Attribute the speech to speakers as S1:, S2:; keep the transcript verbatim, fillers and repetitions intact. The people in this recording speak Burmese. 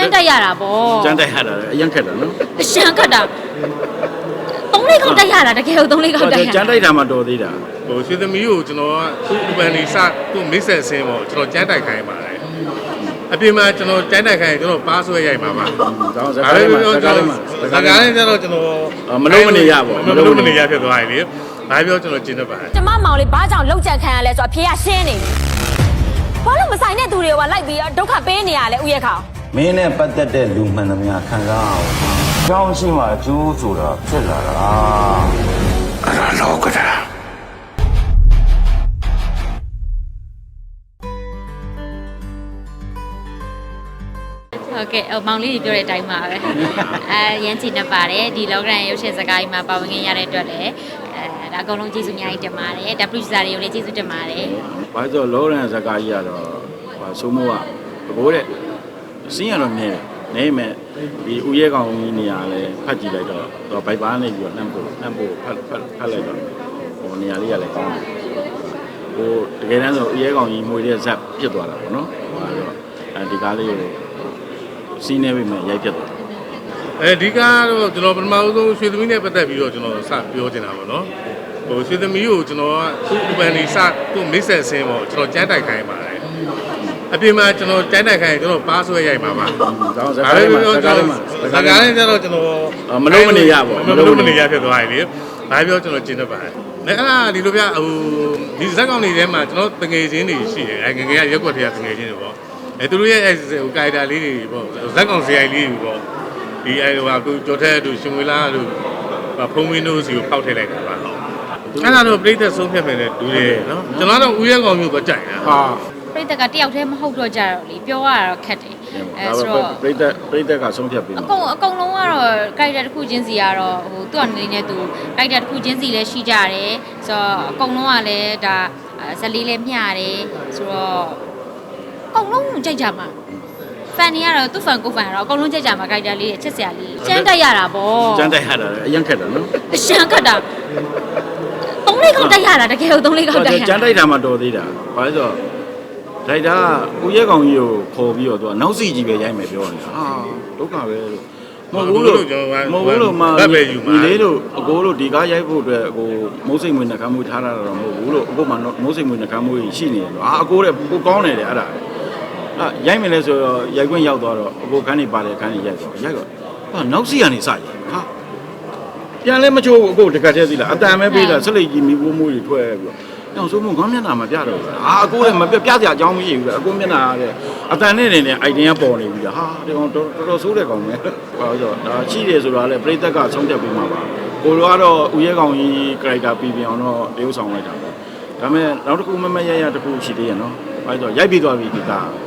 S1: မ်းတက်ရတာပေါ့
S2: ကျန်းတက်ရတာအရင်ခက်တာနော်
S1: အရှမ်းခက်တာသုံးလေးခေါက်တက်ရတာတကယ်လို့သုံးလေးခေါက်တက်ရ
S2: ကျန်းတိုက်တာမှတော်သေးတာ
S3: ဟိုရွှေသမီးကိုကျွန်တော်ကသူ့ပန်နေစသူ့မိတ်ဆက်ဆင်းပေါ့ကျွန်တော်ကျန်းတိုက်ခိုင်းပါတယ်အပြင်မှာကျွန်တော်ကျန်းတိုက်ခိုင်းကျွန်တော်ပါဆွဲရိုက်ပါပါ
S2: ဒါစကားလေးမှာစကားလေးမှာ
S3: စကားလေးကျတော့ကျွန်တော်
S2: မလုံးမနေရပေါ့
S3: မလုံးမနေရဖြစ်သွားပြီလေဘာပြောကျွန်တော်ကျင်းတတ်ပါတယ်
S4: ကျမမောင်လေးဘာကြောင့်လောက်ကြံခံရလဲဆိုတော့အဖေကရှင်းနေဘာလို့မဆိုင်တဲ့သူတွေကလိုက်ပြီးဒုက္ခပေးနေရလဲဥယျာဉ်ခေါ
S5: မင်းနဲ့ပတ်သက်တဲ့လူမှန်သမျှခံစားအောင်ကြောင်းရှိမှအကျိုးဆိုတာဖြစ်လာတာအဲ့ဒါလောကတာ
S1: ဟုတ်ကဲ့မောင်လေးကြီးပြောတဲ့အတိုင်းပါပဲအဲရမ်းချင်နေပါတယ်ဒီလောကရန်ရုပ်ရှင်စကားကြီးမှာပါဝင်ရတဲ့အတွက်လည်းအဲဒါအကုန်လုံးကျေးဇူးအများကြီးတင်ပါတယ်ဒါ producer တွေကိုလည်းကျေးဇူးတင်ပါတယ်
S2: ဘာလို့လောကရန်စကားကြီးကတော့ဟာဆိုမို့ကဘိုးတဲ့စင်းရတော့နေနေမဲ့ဒီဦးရဲကောင်ကြီးနေရာလဲဖတ်ကြည့်လိုက်တော့တော့ဘိုက်ပါနေပြီးတော့နှမ်းဖို့နှမ်းဖို့ဖတ်ဖတ်ဖတ်လိုက်တော့ဟိုနေရာလေးကလည်းကောင်းတယ်ဟိုတကယ်တမ်းဆိုဦးရဲကောင်ကြီးမွေတဲ့ဇက်ပြစ်သွားတာပေါ့နော်ဟိုကတော့အဲဒီကားလေးကိုစီးနေပြီမဲ့ရိုက်ပြတ်သွား
S3: အဲဒီကားတော့ကျွန်တော်ပထမဆုံးရွှေသမီးနဲ့ပတ်သက်ပြီးတော့ကျွန်တော်စပြောချင်တာပေါ့နော်ဟိုရွှေသမီးကိုကျွန်တော်ကသူ့ပန်နေစသူ့မိတ်ဆက်ဆင်းပေါ့ကျွန်တော်ကျန်းတိုက်ခိုင်းပါတယ်အပြင်မှာကျွန်တော်ကျန်းတိုက်ခိုင်းကျွန်တော်ပါဆွဲရိုက်ပါပါ
S2: ဒါစကားလေးမှာစကားလေးမှာ
S3: စကားလေးကျတော့ကျွန်တော်
S2: မလုံးမနေရပေါ့
S3: မလုံးမနေရဖြစ်သွားပြီလေဘာပြောကျွန်တော်ကျင်းတတ်ပါတယ်အဲ့ဒါဒီလိုပြဟိုဒီဇက်ကောင်တွေထဲမှာကျွန်တော်တငယ်ချင်းတွေရှိတယ်အဲငငယ်ကရက်ွက်တွေကတငယ်ချင်းတွေပေါ့အဲသူတို့ရဲ့ဟိုကာရီတာလေးတွေပေါ့ဇက်ကောင်ဆရာကြီးလေးတွေပေါ့ဒီအဲဟိုကကျော်ထဲတို့ရှင်ဝေလာတို့ဖုံးဝင်းတို့စီကိုဖောက်ထည့်လိုက်တာပါဟုတ်အဲ့ဒါတော့ပြိသက်ဆုံးဖြတ်မယ်လေဒူတယ်နော်ကျွန်တော်တော့ဦးရဲကောင်မျိုးပဲကြိုက်တာဟာ
S1: ပြိသက်ကတယောက်တည်းမဟုတ်တော့ကြတော့လေပြောရတာတော့ခက်တယ်
S2: အဲဆိုတော့ပြိသက်ပြိသက်ကဆုံးဖြတ်ပြီး
S1: အကုန်အကုန်လုံးကတော့ character တစ်ခုချင်းစီကတော့ဟိုသူ့အနေနဲ့သူ character တစ်ခုချင်းစီလည်းရှိကြတယ်ဆိုတော့အကုန်လုံးကလည်းဒါဇက်လေးလည်းမျှတယ်ဆိုတော့အကုန်လုံးကြိုက်ကြမှာfan တွေကတော့သူ့ fan ကို fan တော့အကုန်လုံးကြိုက်ကြမှာ character လေးချစ်စရာလေးကျန်းတက်ရတာပေါ့
S2: ကျန်းတက်ရတာအရင်ခက်တာနော်
S1: အရှမ်းခက်တာသုံးလေးခေါက်တက်ရတာတကယ်လို့သုံးလေးခေါက်တက်ရ
S2: ကျန်းတိုက်တာမှတော်သေးတာဘာလို့ဆိုတော့ဒါကဦးရဲကောင်ကြီးကိုခေါ်ပြီးတော့သူကနောက်စီကြီးပဲရိုက်မယ်ပြောနေတာဟာဒုက္ခပဲလို့မဟုတ်ဘူးလို့မဟုတ်ဘူးလို့မှဒီလေးတို့အကိုတို့ဒီကားရိုက်ဖို့အတွက်ဟိုမုတ်စိတ်မွေးနှကမ်းမွေးထားတာတော့မဟုတ်ဘူးလို့အကိုမှမုတ်စိတ်မွေးနှကမ်းမွေးရှိနေတယ်လို့အာအကိုတဲ့ကိုကောင်းနေတယ်အဲ့ဒါအာရိုက်မယ်လဲဆိုတော့ရိုက်ခွင့်ရောက်သွားတော့အကိုခန်းနေပါလေခန်းနေရိုက်တော့ရိုက်တော့ဟာနောက်စီကနေစရိုက်ဟာပြန်လဲမချိုးဘူးအကိုတကတ်သေးသီလားအတန်ပဲပေးတာဆက်လက်ကြီးမိဖို့မိုးတွေထွက်ပြီးတော့အောင်ဆိုမို့ငါမျက်နှာမပြတော့ဘူးအာအကိုလည်းမပြပြစရာအကြောင်းမရှိဘူးအကိုမျက်နှာတဲ့အတန်နဲ့နေနေအိုက်တင်ကပေါ်နေပြီလားဟာဒီကောင်တော်တော်ဆိုးတဲ့ကောင်ပဲဟောဆိုတော့ဒါချိတယ်ဆိုတာလေပြိသက်ကဆုံးဖြတ်ပြီးမှာပါကိုလိုကတော့ဦးရဲကောင်ကြီး character ပြီးပြန်အောင်တော့တရုပ်ဆောင်လိုက်တာပေါ့ဒါပေမဲ့နောက်တစ်ခုမမရရတစ်ခုရှိသေးရနော်ဟောဆိုရိုက်ပြီးသွားပြီဒီက